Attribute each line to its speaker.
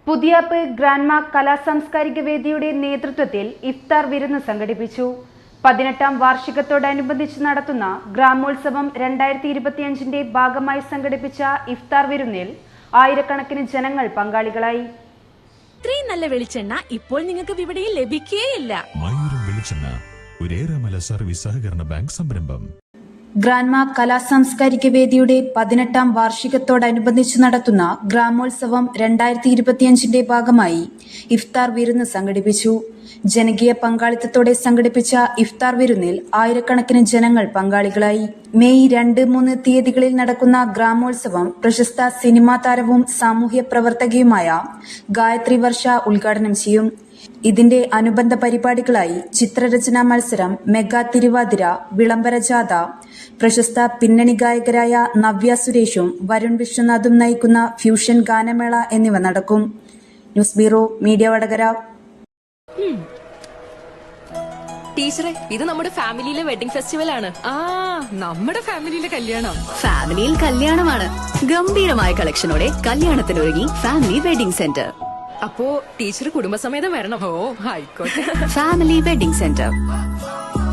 Speaker 1: പുതിയാപ്പ് grandma കലാസാംസ്കാരിക വേദിയുടെ നേതൃത്വത്തിൽ ഇഫ്താർ വിരുന്ന് സംഘടിപ്പിച്ചു. 18ാം വാർഷികത്തോടനുബന്ധിച്ച് നടത്തുന്ന ഗ്രാമോത്സവം 2025ന്റെ ഭാഗമായി സംഘടിപ്പിച്ച ഇഫ്താർ വിരുന്നിൽ ആയിരക്കണക്കിന് ജനങ്ങൾ പങ്കാളികളായി.
Speaker 2: ഇത്രയും നല്ല വെളിച്ചെണ്ണ ഇപ്പോൾ നിങ്ങൾക്ക് വിപണിയിൽ ലഭിക്കുകയില്ല.
Speaker 3: മയൂരം വെളിച്ചെണ്ണ ഒരു ഏറെമല സർവീസ് സഹകരണ ബാങ്ക് സംരംഭം.
Speaker 1: ഗ്രാൻഡ്മ കലാസാംസ്കാരിക വേദിയുടെ 18ാം വാർഷികത്തോടനുബന്ധിച്ച് നടത്തുന്ന ഗ്രാമോത്സവം 2025ന്റെ ഭാഗമായി ഇഫ്താർ വിരുന്ന് സംഘടിപ്പിച്ചു. ജനകീയ പങ്കാളിത്തത്തോടെ സംഘടിപ്പിച്ച ഇഫ്താർ വിരുന്നിൽ ആയിരക്കണക്കിന് ജനങ്ങൾ പങ്കാളികളായി. മെയ് 2-3 തീയതികളിൽ നടക്കുന്ന ഗ്രാമോത്സവം പ്രശസ്ത സിനിമാ താരവും സാമൂഹ്യ പ്രവർത്തകയുമായ ഗായത്രി വർഷ ഉദ്ഘാടനം ചെയ്യും. ഇതിന്റെ അനുബന്ധ പരിപാടികളായി ചിത്രരചനാ മത്സരം, മെഗാ തിരുവാതിര, വിളംബര ജാഥ, പ്രശസ്ത പിന്നണി ഗായകരായ നവ്യ സുരേഷും വരുൺ വിശ്വനാഥും നയിക്കുന്ന ഫ്യൂഷൻ ഗാനമേള എന്നിവ നടക്കും. News bureau, media Vadakara.
Speaker 4: ടീച്ചറെ, ഇത് നമ്മുടെ ഫാമിലിയിലെ വെഡിങ് ഫെസ്റ്റിവൽ ആണ്.
Speaker 5: നമ്മുടെ ഫാമിലിയിലെ കല്യാണം.
Speaker 6: ഫാമിലിയിൽ കല്യാണമാണ്. ഗംഭീരമായ കളക്ഷനോടെ കല്യാണത്തിനൊരുങ്ങി ഫാമിലി വെഡിംഗ് സെന്റർ.
Speaker 4: അപ്പോ ടീച്ചർ കുടുംബസമേതം വരണം.
Speaker 5: ഓ, ആയിക്കോട്ടെ.
Speaker 6: Family wedding centre.